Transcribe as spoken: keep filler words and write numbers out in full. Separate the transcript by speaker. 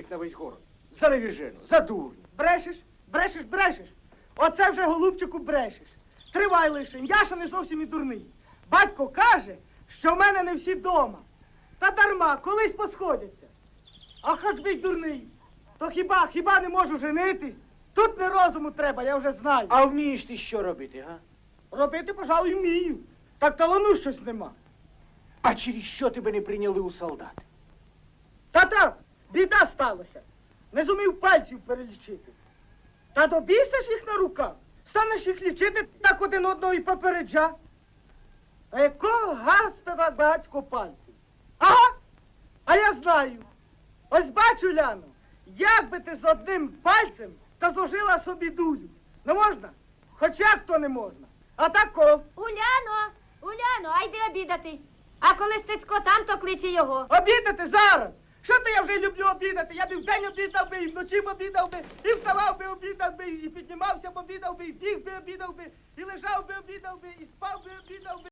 Speaker 1: їх на весь город. За невіжену, за дурню.
Speaker 2: Брешеш, брешеш, брешеш. Оце вже, голубчику, брешеш. Тривай лише, я ще не зовсім і дурний. Батько каже, що в мене не всі дома. Та дарма, колись посходяться. А хоч би й дурний. То хіба, хіба не можу женитись? Тут не розуму треба, я вже знаю.
Speaker 1: А вмієш ти що робити, га?
Speaker 2: Робити, пожалуй, вмію. Так талану щось нема.
Speaker 1: А через що тебе не прийняли у солдати?
Speaker 2: Та так, біда сталася. Не зумів пальців перелічити. Та добійся ж їх на руках. Станеш їх лічити, так один одного і попереджа. А якого гаспи так багацько пальців? Ага, а я знаю. Ось бачу, Ляно, як би ти з одним пальцем та зложила собі дулю. Не можна? Хоч як то не можна. А тако.
Speaker 3: Уляно, Уляно, а йди обідати. А коли Стецько там, то кличе його.
Speaker 2: Обідати зараз. Що то я вже люблю обідати? Я б і вдень обідав би, і вночі б обідав би, і вставав би, обідав би, і піднімався б, обідав би, і біг би, обідав би, і лежав би, обідав би, і спав би, обідав би.